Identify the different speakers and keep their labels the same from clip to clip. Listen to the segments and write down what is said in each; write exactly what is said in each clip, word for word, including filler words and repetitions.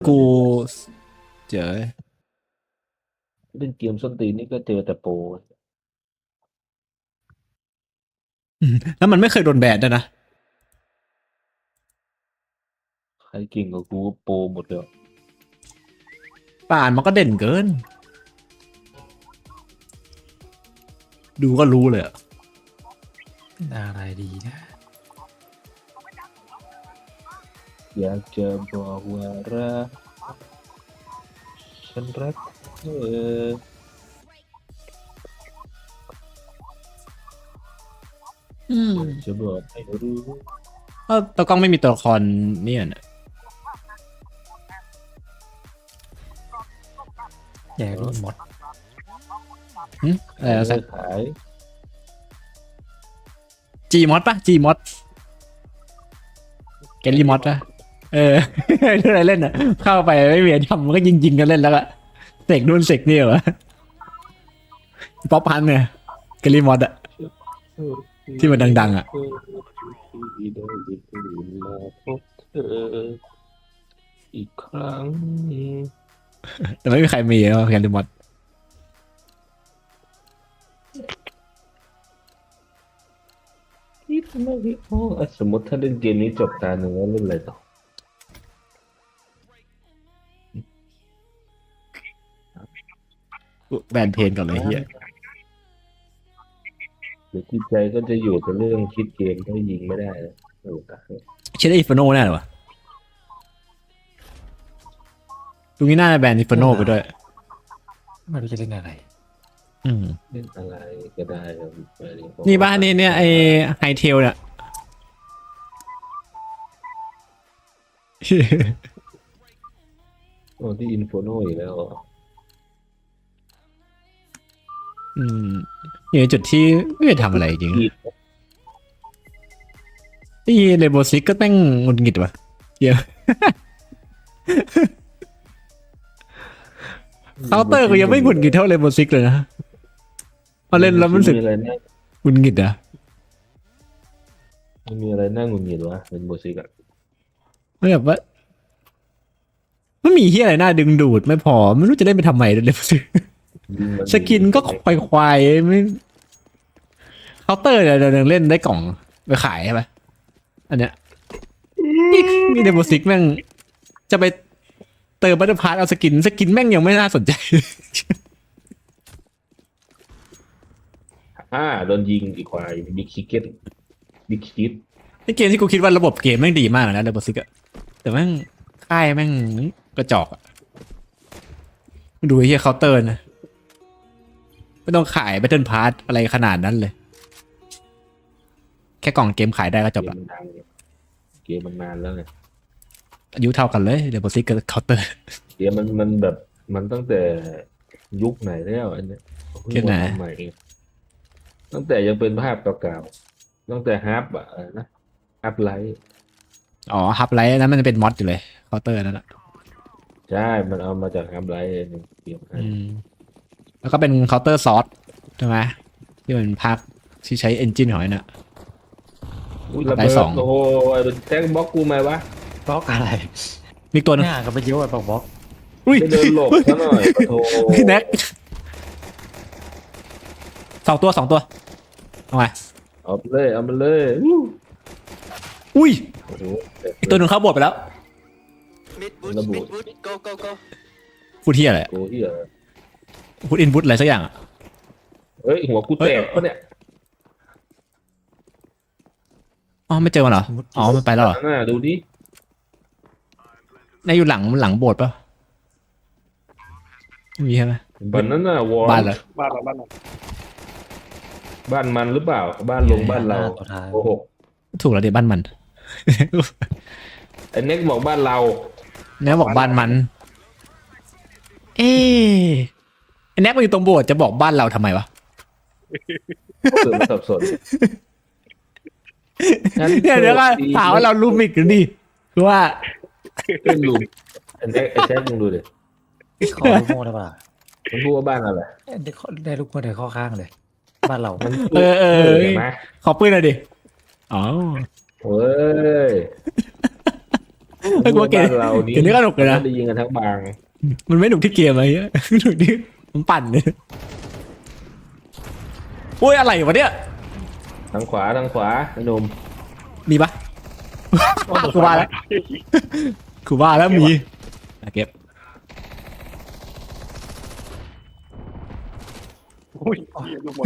Speaker 1: กูเจอ
Speaker 2: เล่นเกมส้นตีนนี่ก็เจอแต่โปร
Speaker 1: แล้วมันไม่เคยโดนแบนด้วยนะ
Speaker 2: ใครเก่งกว่ากูก็โปรหมดเลย
Speaker 1: ป่านมันก็เด่นเกิน ดูก็รู้เลยอะ
Speaker 3: อะไรดีนะ
Speaker 2: อยากจะบอกว่ารักฉันรักเธอ
Speaker 1: อืม
Speaker 2: จะบอกให้รู้
Speaker 1: ก็ตัวกล้องไม่มีตัวละครเนี่ยนะ
Speaker 3: แย่รีหมด
Speaker 1: หึอะไรนะ
Speaker 2: เลิ
Speaker 1: สัก
Speaker 2: กขาย
Speaker 1: จีมอดปะจีมอดแกลลี่มอดปะเออ เรื่องอะไรเล่นอ่ะ เข้าไปไม่มีอะไรทำมันก็ยิงยิงๆกันเล่นแล้วก็เสกนู่นเสกนี่เหรอป๊อปพันเนี่ยแกลลี่มอดอะที่มันดังๆอะ
Speaker 2: ที่ได้ตื่นมาพบเธออีกครั้ง
Speaker 1: แต่ไม่มีใครมีแล้วแกลลี่มอด
Speaker 2: ที่ทำไมพี่โอ้อ่ะสมมติถ้าเล่นเกมนี้จบตาหนึ่งแล้วเล่นอะไรต่อ
Speaker 1: แบนเพนก่อนเลยเฮีย
Speaker 2: หรือจิตใจก็จะอยู่กับเรื่องคิดเกมถ้ายิงไม่ได้แล้วโอ้ตาย
Speaker 1: เชื่อได้อิฟโนแน่เลยวะตรงนี้น่าจะแบนอิฟโนไปด้วย
Speaker 3: ไม่รู้จะเล่นอะไร
Speaker 1: อืม
Speaker 2: เล่นอะไรก็ได้ครับไปเรีย
Speaker 1: นี่บ้านนี่เนี่ยไอไฮเทลเนี่ย
Speaker 2: โอ้ที่อินโฟโนอีกแล้วเหรอ
Speaker 1: อืมอยู่ในจุดที่ไม่ได้ทำอะไรจริง
Speaker 2: อีก
Speaker 1: นี่เลโบซิกก็แม่งหงุดหงิดว่ะเดี๋ยว เคาน์เตอร์ก็ยังไม่หงุดหงิดเท่าเลโบซิกเลยนะพอเล่นแล้วมันรู้สึก
Speaker 2: อะไรน่า
Speaker 1: หงุดหงิดอ่ะ
Speaker 2: มันมีอะไรน่าหงุดหงิดวะเป็นโบซิกอะ
Speaker 1: ไม่แบบว่าไม่มีเฮียอะไรน่าดึงดูดไม่พอไม่รู้จะเล่นไปทำไมเลโบซิก
Speaker 2: ยิงมั
Speaker 1: สกินก็ควายควายๆไม่เคาน์เตอร์เนี่ยเดี๋ยวเล่นได้กล่องไปขายใช่ไหมอันเนี้ยนี่นี่เลโบซิกแม่งจะไปเติมบัตเตอร์พาร์ทเอาสกินสกินแม่งยังไม่น่าสนใจ
Speaker 2: อ่าโดนยิงอีกควายบิ๊กคิกเก็ตบิ๊กคิด
Speaker 1: นี่เกมที่กูคิดว่าระบบเกมแม่งดีมากนะเดบซิกอะแต่แม่งค่ายแม่งกระจอกอะดูไอ้เฮียเคาน์เตอร์นะไม่ต้องขายแบตเทิลพาร์ทอะไรขนาดนั้นเลย แค่กล่องเกมขายได้ก็จบ
Speaker 2: เกม
Speaker 1: ละ
Speaker 2: มันดังเนี่ยเกมมันนานแล้วไง
Speaker 1: อายุเท่ากันเลยเดบซิกกับเคาน์เตอร์
Speaker 2: เกมมันมันแบบมันตั้งแต่ยุคไหนแล้วอันเนี้ยเพิ่ง
Speaker 1: เกมไหน
Speaker 2: มาทำใหม่เองตั้งแต่ยังเป็นภาพเก่าๆตั้งแต่ฮับอะอะไรนะฮับไลท์
Speaker 1: อ๋อฮับไลท์นั้นมันเป็นมอดอยู่เลยเคาน์เตอร์นั่นแหละ
Speaker 2: ใช่มันเอามาจากฮับไลท์ในเกมนั้น
Speaker 1: อืมแล้วก็เป็นเคาน์เตอร์ซอสใช่ไหมที่มันภาคที่ใช้เอนจินของไอ้น่ะ
Speaker 2: อุ้ยระ
Speaker 1: ได้
Speaker 2: เบิด
Speaker 1: สอง
Speaker 2: โอ้โหไอ้เป็นแท็กบล็อกกูไหมวะ
Speaker 3: บล็อกอะไร
Speaker 1: มีตัวหนึง
Speaker 3: หน้ากับไปเยอะอะบล็อกบล็อก
Speaker 1: อุ้ย
Speaker 2: จะเดินหลบซะหน่อยปะโถ
Speaker 1: พี่แน็กสองตัวสองตัวเอาไง
Speaker 2: เอาไปเลยเอามาเลยอู้
Speaker 1: อุ้ย
Speaker 2: โอ้โห
Speaker 1: อีกตัวหนึ่งเข้าบทไปแล้ว
Speaker 4: Mid bush,
Speaker 2: Nó
Speaker 4: mid
Speaker 2: buồn.
Speaker 4: bush, go go go.
Speaker 1: พูดที่อะไร
Speaker 2: กูเหี้ย
Speaker 1: พูดอินพุตอะไรสักอย่างอะ
Speaker 2: เฮ้ยหัวกูแตกปะเนี่ย
Speaker 1: อ๋อไม่เจอมันเหรออ๋อมันไปแล้วเหรอ
Speaker 2: น่าดูดิ
Speaker 1: ในอยู่หลังหลังโบสถ์ปะไม่มีใช่ไหม
Speaker 2: บ้านนั้นน่ะวอร์
Speaker 1: บ้านเหรอ
Speaker 5: บ้านเราบ้านเรา
Speaker 2: บ้านมันหรือเปล่า บ้านลงบ้านเรา
Speaker 3: หตัวท้าย
Speaker 2: โอ้โห
Speaker 1: ถูกแล้วเดี๋ยวบ้านมัน
Speaker 2: ไอ้เน็กบอกบ้านเรา
Speaker 1: เนี่ยบอกบ้านมัน เอ๊ะไอ้แน็กมันอยู่ตรงโบสถ์จะบอกบ้านเราทำไมวะ
Speaker 2: เกิดมาสับสน
Speaker 1: เนี่ยเดี๋ยวก็ถามว่าเราลูมิกหรือดิคือว่า
Speaker 2: เป็นลุมไอ้เน็กไอ้แซกมึงดูดิ
Speaker 3: ขอลูกโม่ได้ป่ะ
Speaker 2: มันพูดว่าบ้านอะไร
Speaker 3: ได้ข้อได้ลูกโม่ได้ข้อข้างเลย บ้านเรา
Speaker 2: มัน
Speaker 1: เออเออ
Speaker 2: เห็นไหม
Speaker 1: ขอปืนหน่อยดิอ๋อ
Speaker 2: เฮ้ย
Speaker 1: เฮ้ยกูว่าเกม
Speaker 2: บ้านเรานี่
Speaker 1: เกมนี้ก็สนุกเลยนะ
Speaker 2: ได้ยิงกันทั้งบาง
Speaker 1: มันไม่หนุกที่เกมอะไรเงี้ย หนุกที่มันปั่นเลยโอ้ยอะไรวะเนี่ย
Speaker 2: ทางขวาทางขวาไอ้หนุ่ม
Speaker 1: มีปะ กูว่าแล้วกูว่าแล้วมีอ่ะเก็บ
Speaker 5: อุ้ยลูกหมด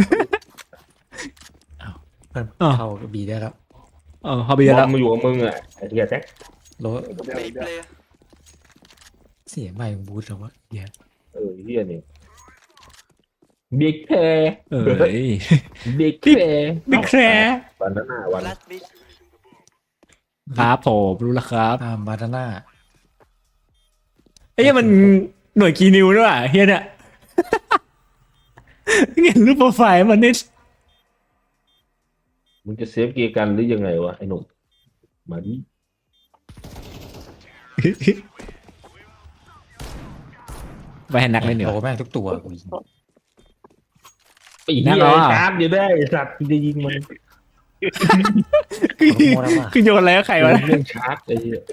Speaker 3: เพิ่มเข้าบีได้แล้ว
Speaker 1: เออพอไปเย
Speaker 2: บ
Speaker 1: อะ
Speaker 2: อ
Speaker 1: แล้ว
Speaker 2: มมาอยู่กับมึงอ่ะไอ้เหี้ยแจ็ค
Speaker 3: โล
Speaker 4: Main player
Speaker 3: เสียงใหม่ของบูธแล้ววะเดี๋ยว
Speaker 2: เออเหี้ยนี่บิ๊กแพร
Speaker 1: เอ้ย
Speaker 2: บิ๊กแพร
Speaker 1: บิ๊กแคร์
Speaker 2: วันนั้นน่ะวัน
Speaker 4: Last mid
Speaker 1: ครับผมรู้แล้วครับ
Speaker 3: อ่ามาดาน่า
Speaker 1: ไอ้เหี้ยมันหน่วยกีนิวด้วยว่ะเฮียเนี่ย เห็นรูปโปรไฟล์มันนี่
Speaker 2: มึงจะเซฟเกียร์กันหรือยังไงวะไอ้หนุ่มมาดิ
Speaker 1: ไปให้นักเล่นเดี๋ยว
Speaker 3: โอ้แม่งทุกตัวกูยิง
Speaker 2: ไอ้เหี้ย
Speaker 1: แน่นอน
Speaker 2: ชาร์จอยู่ได้ไอ้สัตว์กูจะยิงมัน
Speaker 1: คือ
Speaker 3: โมแล้วว่ะ
Speaker 1: คือโยนอะไรก็ใครวะ
Speaker 2: เรื่องชาร์จไอ้เหี้ย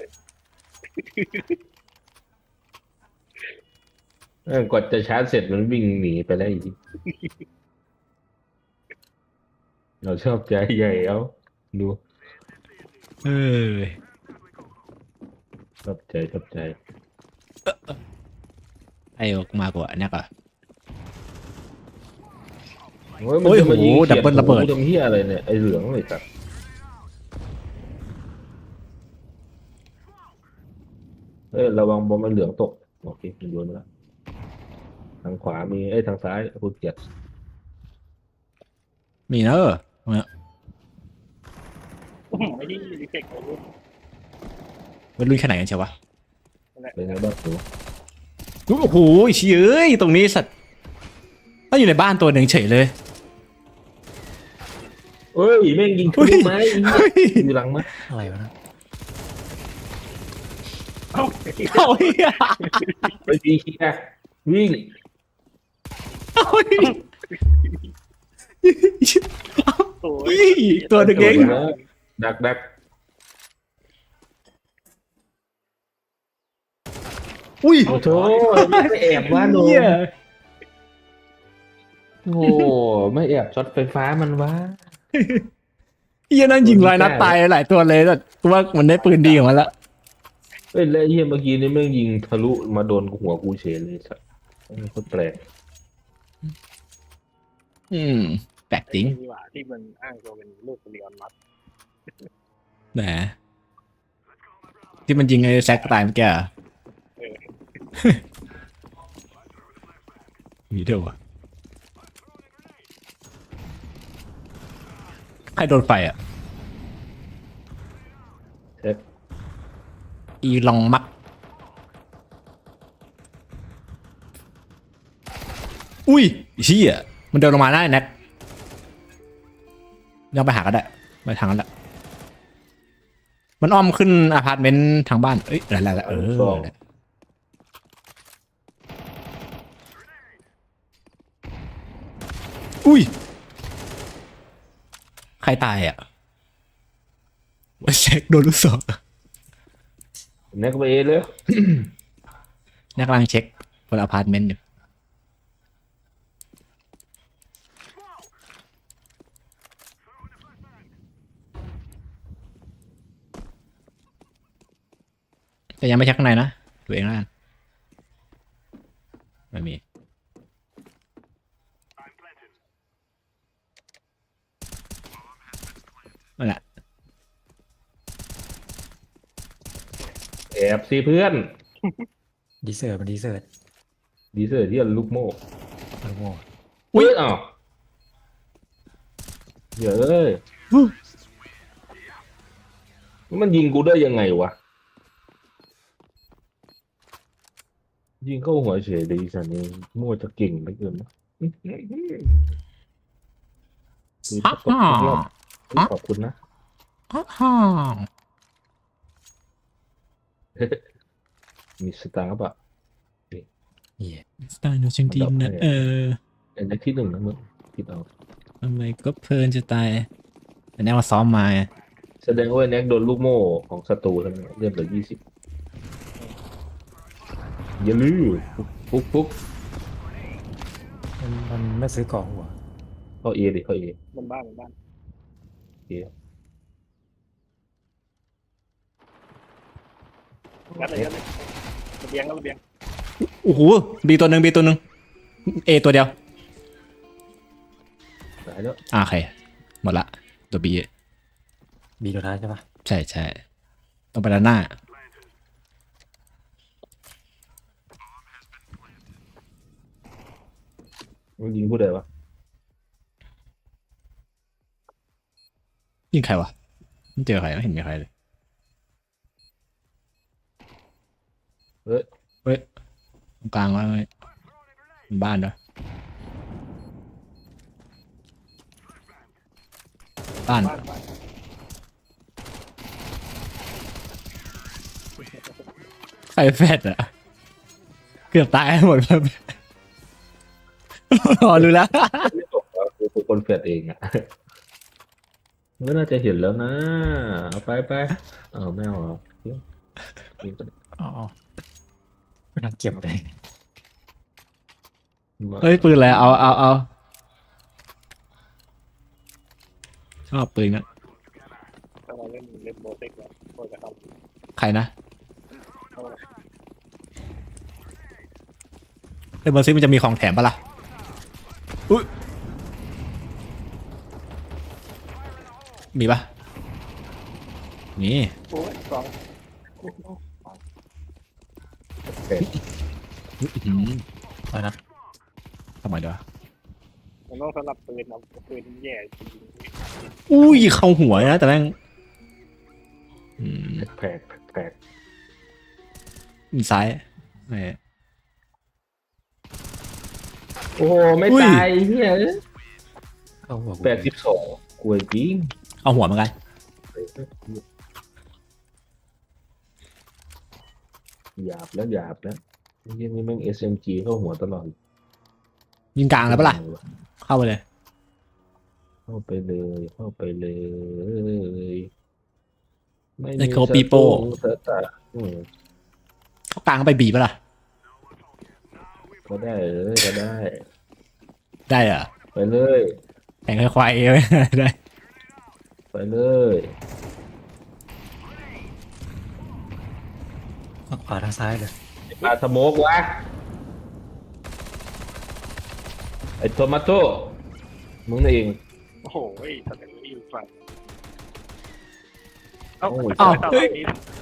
Speaker 2: เออกว่าจะชาร์จเสร็จมันวิ่งหนีไปแล้วอีกเราชอบใจใหญ่เอาดู
Speaker 1: เออ
Speaker 2: ชอบใจชอบใจ
Speaker 1: ไอ้ออกมากว่าเนี่ยก่อน
Speaker 2: โอ้ย
Speaker 1: โอ้ย
Speaker 2: มันจะมายิง
Speaker 1: โห
Speaker 2: เขีย
Speaker 1: ดับเบิลระเบิด
Speaker 2: หูทำเหี้ยอะไรเนี่ยไอ้เหลืองเลยสัตว์เอ้ยระวังบอมมันเหลืองตกโอเคมันโยนมาแล้วทางขวามีไอ้ยทางซ้ายพูดเกียรติ
Speaker 1: มีเนอะตรงเนี้ย
Speaker 5: ไม่ได้รีเฟกเลย
Speaker 1: มันลุยขนาดกันเชียววะ
Speaker 2: เป็นไงบ้างหนู
Speaker 1: โอ้โหเชี่ยเอ้ยตรงนี้สัตว์ถ้าอยู่ในบ้านตัวหนึ่งเฉยเลย
Speaker 2: เอ้ยแม่งยิงทะลุไม้ไอ้เหี้ย
Speaker 1: เฮ้ย
Speaker 2: อยู่หลังมั้ย
Speaker 3: อะไรวะนะ
Speaker 5: เอ้า
Speaker 1: เอาเหี้ย
Speaker 2: ไปดีเคียร์วิ่ง
Speaker 1: เอาเหี้ย
Speaker 5: โอ้
Speaker 1: เฮ้
Speaker 5: ย
Speaker 1: ยตัวหนึ่งเอง
Speaker 2: ดักดัก
Speaker 1: อุ้ย
Speaker 2: โอ้โหไม่แอบว่าหนู
Speaker 1: เหี้ย
Speaker 2: โอ้ไม่แอบช็อตไฟฟ้ามันวะ
Speaker 1: เฮียนั่นยิงลอยนัดตายหลายตัวเลยแต่กูว่ามันได้ปืนดีของมันละ
Speaker 2: เอ้ยแล้วไอ้เฮียเมื่อกี้นี่แม่งยิงทะลุมาโดนหัวกูเฉยเลยสัสโคตรแปลก
Speaker 1: อืมแปลกจริง
Speaker 5: นี่หว่าที่มันอ้างตัวเป็นลูกเรียนมัด
Speaker 1: แหมที่มันยิงไอ้แซกตายเมื่อกี้อะมีเดียวอะใครโดนไฟอ่ะ
Speaker 2: เช็ค
Speaker 1: อีลองมัก อุ้ยเชี่ยมันเดินลงมาได้แน็กยังไปหาก็ได้ไปทางนั้นแหละมันอ้อมขึ้นอพาร์ตเมนต์ทางบ้านเอ้ยอะไรๆเอออุ้ยใครตายอ่ะว่าเช็คโดนลูกศร
Speaker 2: แน็กไปเอเลย
Speaker 1: นักกำลังเช็คบนอพาร์ตเมนต์อยู่แต่ยังไม่เช็คข้างในนะดูเองแล้วกันไม่มีนั่นแหละ
Speaker 2: แอบสิเพื่อน
Speaker 3: ดีเซอร์มันดีเซอร์
Speaker 2: ดีเซอร์ที่ลูกโม่
Speaker 3: มันโง่
Speaker 2: อุ้ยอ้าวเดี๋ยวเอ้ยมันยิงกูได้ยังไงวะยิงเข้าหัวเฉยดีสันนี่โม่จะเก่งเหลือเกินนะคือถ้ากดทุกรอบขอบคุณนะ
Speaker 1: อ้าว
Speaker 2: มีสตาร์ปะ
Speaker 3: เหี้ย
Speaker 1: สไตล์โนเชงดีมนะเออ
Speaker 2: อันนี้ที่หนึ่งนะมึงคิดเอา
Speaker 1: ทำไมก็เพลินจะตายแต่แน่มาซ้อมมาไง
Speaker 2: แสดงว่าแน็กโดนลูกโม่ของศัตรูทั้งนั้นเลือดเหลือยี่สิบอย่าลืมปุ๊บปุ๊บ
Speaker 3: มันมันไม่ซื้อกล่องหัว
Speaker 2: เข้าเอดิเข้าเอ
Speaker 5: มันบ้านมันบ้าน
Speaker 2: เอ
Speaker 5: ยัดเลยยัดเลยระเบียงก็ระเบียง
Speaker 1: โอ้โหบีตัวหนึ่งบีตัวหนึ่งเอตัวเดียว
Speaker 2: ตายแล้ว
Speaker 1: อ่าโอเคหมดละตัวบี
Speaker 3: บีตัวท้ายใช่ปะ
Speaker 1: ใช่ใช่ต้องไปด้านหน้า
Speaker 2: มันยิงผู้ใดวะ
Speaker 1: ยิงใครวะไม่เจอใครไม่เห็นมีใครเลย
Speaker 2: เฮ้ย
Speaker 1: เฮ้ยตรงกลางว่าไงบ้านด้วยบ้าน
Speaker 5: บ้านบ้าน
Speaker 1: ใครแฟดอะเกือบตายหมดแล้วอ๋อรู้แล้ว
Speaker 2: ไม่ตกแล้วคือคนเฟดเองอ่ะก็น่าจะเห็นแล้วนะเอาไปไปเอาไม่เอาเหรอ
Speaker 3: อ๋อไม่ต้องเก็บเลย
Speaker 1: เฮ้ยปืนอะไรเอาเอาเอาชอบปืนนะ
Speaker 5: ถ้าเราเล่นเล่นโบเซ็กแล้วโบจะเข้า
Speaker 1: ใครนะ
Speaker 5: เข้า
Speaker 1: เล่นเบอร์ซิมันจะมีของแถมปะล่ะอุ้ยมีปะนี่
Speaker 5: โอ้ยสอง
Speaker 2: เฟด
Speaker 1: อื้อหือ
Speaker 3: อะไรนะ
Speaker 1: ทำไมเด้อ
Speaker 5: มันต้องสลับปืนเอาปืนแย่จริง
Speaker 1: อุ้ยเข้าหัวนะแต่แม่งอืม
Speaker 2: แปลกแปลก
Speaker 1: มีซ้ายไม่
Speaker 2: โอ้โหไม่
Speaker 1: อุ้ย
Speaker 2: ตายเฮีย
Speaker 3: เข้าหัวกู
Speaker 2: แปดสิบสองกลัวจริง
Speaker 1: เอาหัวเหมือนกัน
Speaker 2: หยาบแล้วหยาบแล้วยี่นี่แม่ง เอส เอ็ม จี เข้าหัวตลอด
Speaker 1: ยิงกลางแล้วปะล่ะเข้าไปเลย
Speaker 2: เข้าไปเลยเข้าไปเลยไม่
Speaker 1: ไอ้โคปีโป้
Speaker 2: เซอร์ตาอืม
Speaker 1: เข้ากลางไปบีปะล่ะ
Speaker 2: ก็ได้เออก็ได้
Speaker 1: ได้เหรอ
Speaker 2: ไปเลย
Speaker 1: แข่งควายเอไว้ ได้
Speaker 2: ไปเลย
Speaker 3: ทางขวาทางซ้ายเลย
Speaker 2: มาสโมกวะไอ้โทมาโต้มึงเอง
Speaker 5: โอ้โหทำอย่างนี้อยู่ฝั่งเอ้า
Speaker 2: โอ้ย
Speaker 5: เอ้าเฮ้ย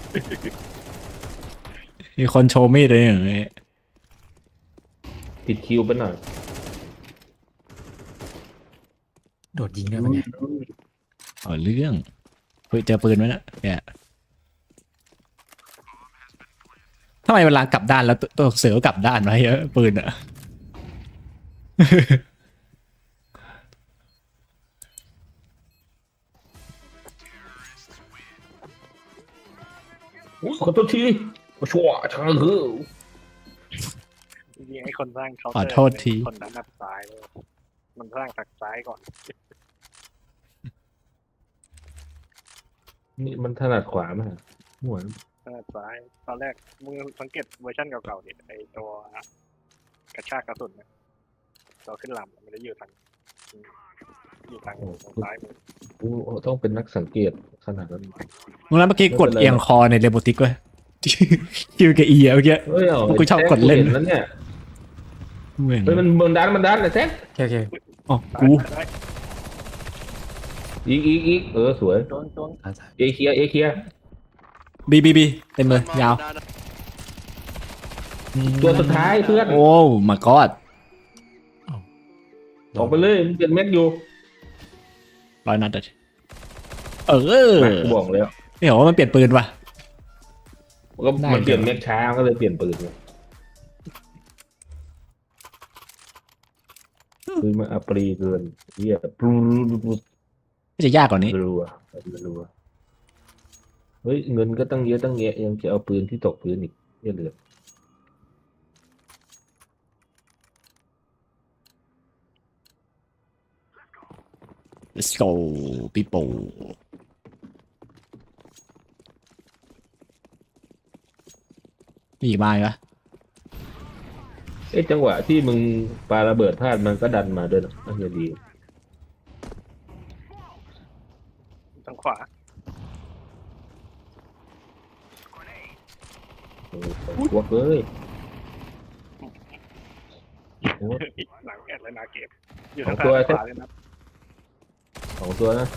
Speaker 1: มีคนโชว์มีดเลยอย่างนี้
Speaker 2: ติดคิวไปหน่อย
Speaker 3: โดดยิงได้ปะเนี่ย
Speaker 1: เอาเรื่องเฮ้ยเจอปืนไหมนะเนี่ยทำไมเวลากลับด้านแล้วตัวตัวเสือกลับด้านมาเยอะปืนอะ
Speaker 2: ขอโทษทีชัวช่างคือ
Speaker 5: จริงๆไอ้คนสร้างเขา
Speaker 1: ขอโทษที
Speaker 5: คนด้านนับซ้ายเลยมันสร้างจากซ้ายก่อน
Speaker 2: นี่มันถนัดขวาไหมฮะหัว
Speaker 5: ด้านซ้ายตอนแรกมึงสังเกตเวอร์ชันเก่าๆเนี่ยไอ้ตัวกระชากกระสุนเนี่ยตัวขึ้นลำมันจะอยู่ทางอยู่ทางทางซ้ายมือ
Speaker 2: กูต้องเป็นนักสังเกตขนาดนั้น
Speaker 1: มึงนั้นเมื่อกี้กดเอียงคอในเรโบติกเว้ย คิวกับอีอะเมื่อกี้
Speaker 2: เฮ้ยเอา
Speaker 1: กูชอบกดเล่น
Speaker 2: แท็กกูห็แล้วเนี่ย
Speaker 1: เหมือน
Speaker 2: เฮ้ยมันมันดันมันดันเลยแท็ก
Speaker 3: โอเคโอเค
Speaker 1: อ๋อกู
Speaker 5: ซ้าย
Speaker 2: อีกอีกอีกเออสวย
Speaker 5: โดนโดน
Speaker 3: ซ้ายซ้าย
Speaker 2: เอเคลียร์เอเคลียร์
Speaker 1: บีบีบีเต็มเลยยาว
Speaker 2: ตัวสุดท้ายเพื่อน
Speaker 1: โอ้มากอด
Speaker 2: ออกไปเลยมันเป็นเม็ดอยู่
Speaker 1: ร้อยนัดอะเออ
Speaker 2: มากูบอกแล้ว
Speaker 1: ไม่เห็นว่ามันเปลี่ยนปืนว่ะ
Speaker 2: ก็
Speaker 1: ได้
Speaker 2: มันเปลี่ยนเม็ดช้าก็เลยเปลี่ยนปืนเลยปืนมันอัปรีเกินเหี้ยปรู
Speaker 1: ไม่จะยากกว่านี้
Speaker 2: รัวรัวเฮ้ยเงินก็ตั้งเยอะตั้งแยะยังจะเอาปืนที่ตกพื้นอีกเหี้ยเหลือ
Speaker 1: let's go people มีอีกมาอีกปะ
Speaker 2: เอ้ยจังหวะที่มึงปาระเบิดพลาดมันก็ดันมาด้วยนะน่าจะดี
Speaker 5: ทางขวา
Speaker 2: เออพวกเลยโอ้
Speaker 5: หลังแอดเลยนาเก็บอยู่
Speaker 2: สอ
Speaker 5: ทาง ง
Speaker 2: ตัว
Speaker 5: ซ้ายขวาเลยนะ
Speaker 2: สองตัวนะ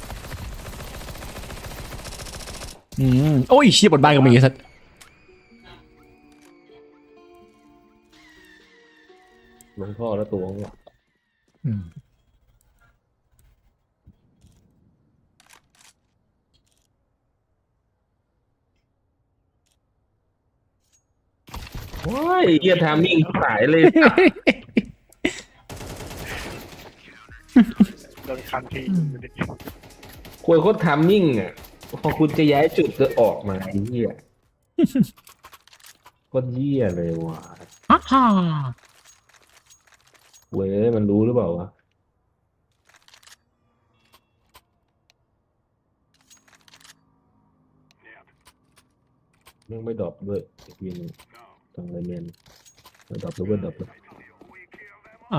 Speaker 1: อืมโอ้ยเชี่ยบนบ้านก็มีสัตว์
Speaker 2: ลงท่อแล้วตัวงว่ะ
Speaker 3: อืม
Speaker 2: ว้ายเฮียทามิ่งสายเลย
Speaker 5: โดนคันที
Speaker 2: ควรโคตรทามิ่งอ่ะพอคุณจะย้ายจุดจะออกมาไอ้เหี้ยโคตรเหี้ยเลยว่ะ
Speaker 1: ฮ่าฮ่า
Speaker 2: เว้ยมันรู้หรือเปล่าวะยังไม่ดรอปด้วยอีกทีหนึงทางไรเมนไม่ดรอปแล้วเว้ยดรอปแล้ว
Speaker 1: อ่า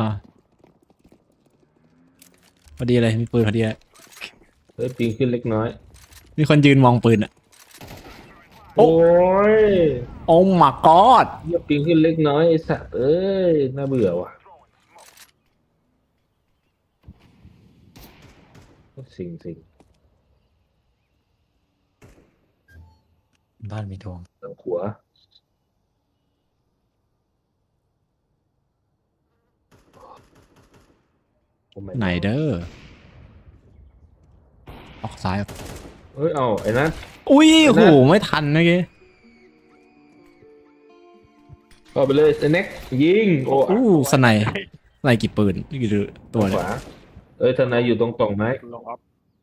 Speaker 1: พอดีเลยมีปืนพอดีเลย
Speaker 2: เฮ้ยปิงขึ้นเล็กน้อย
Speaker 1: มีคนยืนมองปืนอ่ะ โอ้
Speaker 2: โอ้ย
Speaker 1: โอ้ my god
Speaker 2: เหี้ยปิงขึ้นเล็กน้อยไอ้สัตว์เอ้ยน่าเบื่อว่ะสิ่งสิ่ง
Speaker 3: บ้านมีทวง
Speaker 2: ทางขวาโอ้ my
Speaker 1: ไหน
Speaker 2: god
Speaker 1: เด้อออกซ้าย
Speaker 2: เฮ้ยเอาไอ้นั้น
Speaker 1: อุ้ย
Speaker 2: เดี๋ยว
Speaker 1: โห
Speaker 2: นะ
Speaker 1: ไม่ทันเมื่อกี้
Speaker 2: เข้าไปเลยไอ้เน็กยิงโอ้
Speaker 1: อู้สไนด์สไนด์กี่ปืนกี่ตัว
Speaker 2: ข
Speaker 1: เนี่ยว
Speaker 2: าเอ้ยทนายอยู่ตรงกล่องไม้
Speaker 5: ลงออฟ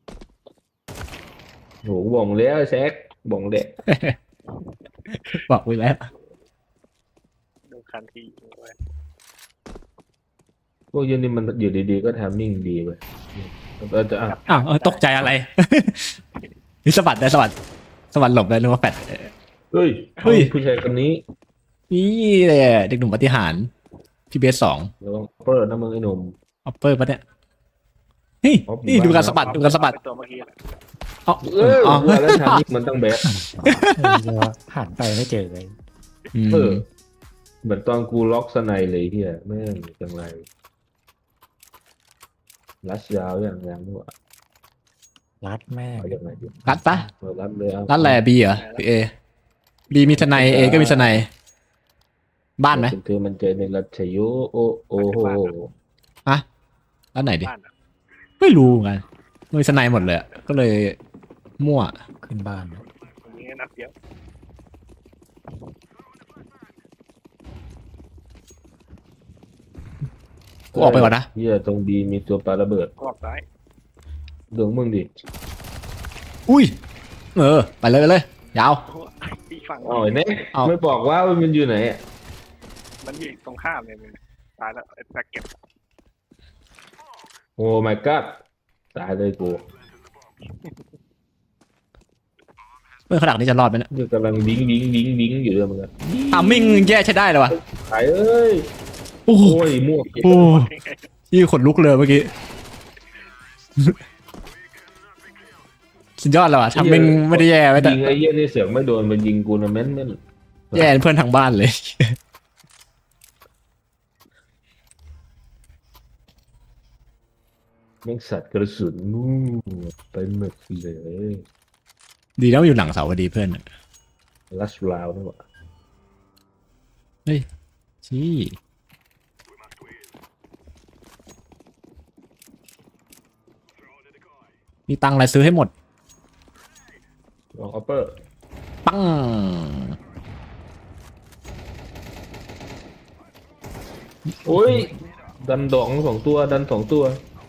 Speaker 2: โหบ่งแล้วแซกบ่งเด็ก
Speaker 1: บอกไว้แล้ว
Speaker 5: โดนคันทีเลย
Speaker 2: พวกยันนี่มันอยู่ดีๆก็ทำมิ่งดีเว้ยเออจะอ่ะ
Speaker 1: อ้าวเออตกใจอะไร นี่สะบัดได้สะบัดสะบัดหลบได้นึกว่าแฟด
Speaker 2: เฮ้ย
Speaker 1: เฮ้ย
Speaker 2: ผู้ชายคนนี้
Speaker 1: นี่เลยเด็กหนุ่มปฏิหารพี่เบสสอง
Speaker 2: ระวังเปิดนะมึงไอ้หนุ่ม
Speaker 1: ออปเปอร์ปะเนี่ยเฮ้ย
Speaker 2: ออฟ
Speaker 1: นี่ดูการสะบัดดูการสะบัด
Speaker 5: ตัวเมื่อกี้แหละ
Speaker 1: เอ๋อ
Speaker 2: เออ
Speaker 1: อ๋อ
Speaker 2: ว่าแล้วทำมิ่งมันต้องแบด
Speaker 3: เออเดี๋ยวหันไปไม่เจอเลย
Speaker 1: ม
Speaker 2: เออเหมือนตอนกูล็อกสไนเลยเฮียแม่งจังไรรัชยาวอย่างยังด้วย
Speaker 3: รัดแม่ง
Speaker 2: เอาอย่างไรดี
Speaker 1: รัดปะ
Speaker 2: เออรัดเลยเอา
Speaker 1: รัดแหล่บีเหรอหรือเอบีมีสไนเอก็มีสไนบ้านไหม
Speaker 2: คือมันเจอในรัชยุโอโอ้โห
Speaker 1: ฮะรัดไหนดิ
Speaker 5: บ้านอะ
Speaker 1: ไม่รู้เหมือนกันมีสไนหมดเลยอะก็เลยมั่ว
Speaker 3: ขึ้นบ้าน
Speaker 5: ตรงนี้นัดเดียว
Speaker 1: กูออกไปก่อนนะ
Speaker 2: เฮียตรงดีมีตัวปาระเบิด
Speaker 5: กรอบซ้าย
Speaker 2: ดวงมึงดิ
Speaker 1: อุ้ยเออไปเลยไปเลย ยาว
Speaker 5: โอ้อีกฝั่ง
Speaker 2: อ๋อไอ้เนี่ย
Speaker 1: เอา
Speaker 2: ไม่บอกว่ามันอยู่ไหนอะ
Speaker 5: มันอยู่ตรงข้ามเลยมึงตายแล้วไอ้แพ็กเก็บ
Speaker 2: โอ้ my god ตายเลยกู
Speaker 1: เมื่อขนาดนี้จะรอดไหมเนี่ย
Speaker 2: นี่กำลังวิ้งวิ้งวิ้งวิ้งอยู่เลยเหมือนกัน
Speaker 1: ทามมิ่งแย่ใช้ได้เลยวะ
Speaker 2: ขายเอ้ย
Speaker 1: โอ้โห
Speaker 2: โอ้ยมั่ว
Speaker 1: โอ้ยี่ขนลุกเลยเมื่อกี้ สุดยอดแล้วอะทำเป็นไม่ได้แย่ไว้แต่
Speaker 2: ยิงไอ้เหี้ยนี่เสือกไม่โดนมันยิงกูนะแม่นแม่น
Speaker 1: แย่เพื่อนทางบ้านเลย
Speaker 2: แม่งสัตว์กระสุนนู่นไปหมดเลย
Speaker 1: ดีแล้วอยู่หลังเสาพอดีเพื่อนอะ
Speaker 2: ลัสลาวนี่หว่า
Speaker 1: ชี้มีตังค์อะไรซื้อให้หมด
Speaker 2: ลองออปเปอร์
Speaker 1: ปัง
Speaker 2: โอ้ยดันดองสองตัวดันสองตัว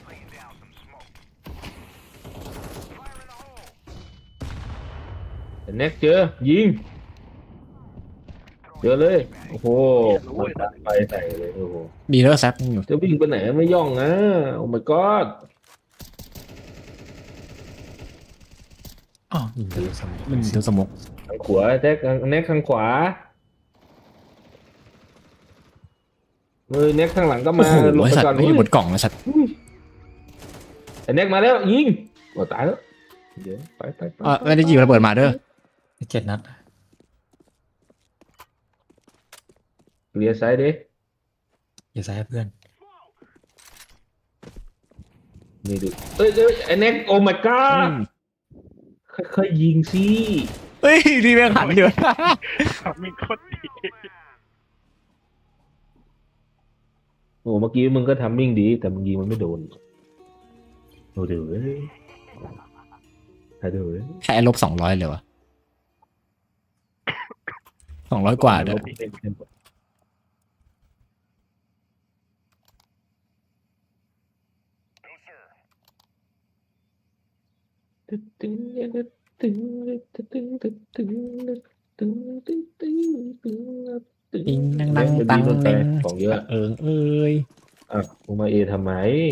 Speaker 2: เน็กเจอยิงเจอเลยโอ้โหมันตัดไปใส่เลยโอ้โห
Speaker 1: มีแล้วแซปอยู่
Speaker 2: จะวิ่งไปไหนไม่ย่องนะโอ้ my god
Speaker 3: อ๋อยิงดูสมอง
Speaker 1: มันดูสมก
Speaker 2: ทางขวาแท็กทางแน็กทางขวาเฮ้ยเน็กข้างหลังก็
Speaker 1: โอ้
Speaker 2: มา
Speaker 1: โห
Speaker 2: หลบ
Speaker 1: ไอ
Speaker 2: ไป
Speaker 1: สัต
Speaker 2: ก่อน
Speaker 1: ว์ไม่อยู่บนกล่องนะสัตว์
Speaker 2: อุ้ยไอ้เน็กมาแล้วยิงโอ้ตายแล้วเดี๋ยวไปไปไป
Speaker 1: อ่ะไม่ได้ยิงระเบิดมาเด้อ
Speaker 3: เจ็ดนัด
Speaker 2: เลียซ้ายดิ
Speaker 3: อย่าใส่ให้เพื่อน
Speaker 2: นี่ดูเอ้ยเอ้ยไอ้เน็กโอ้ my god ค่อยๆยิงสิ
Speaker 1: เฮ้ยดีแม่งหันเดือด
Speaker 5: มีโคตรดี
Speaker 2: โอ้เมื่อกี้มึงก็ทำมิ่งดี แต่มึงยิงมันไม่โดนโอ้เดี๋ยวเว้ยเดี๋ยวเว้ย
Speaker 1: แค่ลบสองร้อยเลยวะสองร้อยกว่าเด้อ
Speaker 2: ตึ๊ดตึ๊ดตึ๊ดตึ๊ดตึ๊ดตึ๊ดตึ๊ดตึ๊ดตึ๊ดตึ๊ดตึ๊ดตึ๊ดตึ๊ดตึ๊ด
Speaker 1: ติงนั่งนั่งตัง
Speaker 2: เล่น
Speaker 1: เน่ง
Speaker 2: ของเยอะ
Speaker 1: เอิงเอ้ย
Speaker 2: อ่ะมึงมาเอทำไม